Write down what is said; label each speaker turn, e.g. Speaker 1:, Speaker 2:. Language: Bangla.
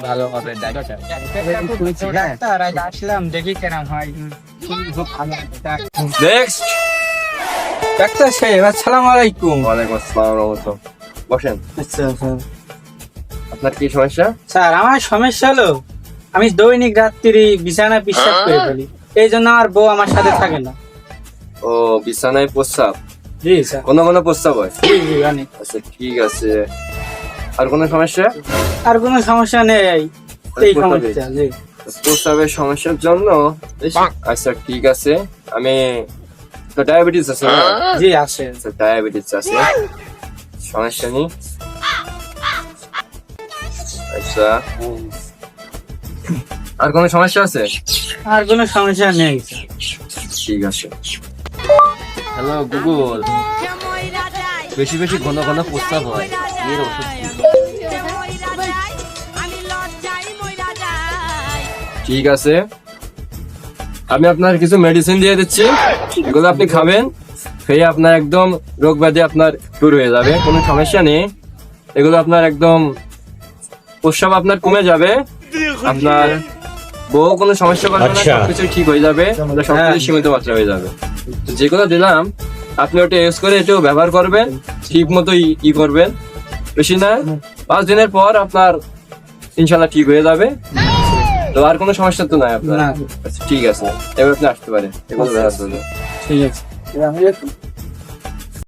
Speaker 1: ভালো হবে ডাক্তার।
Speaker 2: ডাক্তার আজ আসলাম দেখি কেমন হয়।
Speaker 1: নেক্সট।
Speaker 2: ডাক্তার সাহেব আসসালামু আলাইকুম।
Speaker 1: ওয়ালাইকুম আসসালাম রাহমাতুল্লাহ। বসেন।
Speaker 2: আচ্ছা
Speaker 1: আপনার কি সমস্যা?
Speaker 2: স্যার আমার সমস্যা হলো আমি দৈনিক রাত্রি বিছানায় পেশাব করে ফেলি, এই জন্য আমার বউ আমার সাথে থাকে না।
Speaker 1: ও বিছানায় প্রস্রাব,
Speaker 2: জি স্যার।
Speaker 1: কোনো কোনো প্রস্রাব হয়?
Speaker 2: জি জি জানি।
Speaker 1: আচ্ছা ঠিক আছে, আর কোনো সমস্যা?
Speaker 2: আর কোনো সমস্যা নেই, এই সমস্যা। জি
Speaker 1: প্রস্রাবের সমস্যার জন্য? আচ্ছা ঠিক আছে, আমি তো ডায়াবেটিস আছে না?
Speaker 2: জি আছে।
Speaker 1: আচ্ছা ডায়াবেটিস আছে, সমস্যা নেই। আচ্ছা আর কোনো সমস্যা আছে?
Speaker 2: আর কোনো সমস্যা নেই স্যার।
Speaker 1: ঠিক আছে। হ্যালো গুগল, বেশি বেশি ঘন ঘন প্রস্রাব হয়, এর ওষুধ কি? ঠিক আছে, আমি আপনার কিছু মেডিসিন দিয়ে দিচ্ছি, এগুলো আপনি খাবেন, খেয়ে আপনার একদম রোগ ব্যাধি আপনার দূর হয়ে যাবে, কোনো সমস্যা নেই। এগুলো আপনার একদম প্রস্রাব আপনার কমে যাবে, আপনার বউ কোনো সমস্যা করবে না, সবকিছু ঠিক হয়ে যাবে, সবকিছু সীমিত মাত্রা হয়ে যাবে। তো যেগুলো দিলাম আপনি ওটা ইউজ করে একটু ব্যবহার করবেন, ঠিক মতো ই করবেন, বেশি না 5 দিনের পর আপনার ইনশাল্লাহ ঠিক হয়ে যাবে। তো আর কোনো সমস্যা তো নাই আপনার?
Speaker 2: না।
Speaker 1: আচ্ছা ঠিক আছে, এবার আপনি আসতে পারেন, এগুলো ব্যবহার করবেন।
Speaker 2: ঠিক আছে।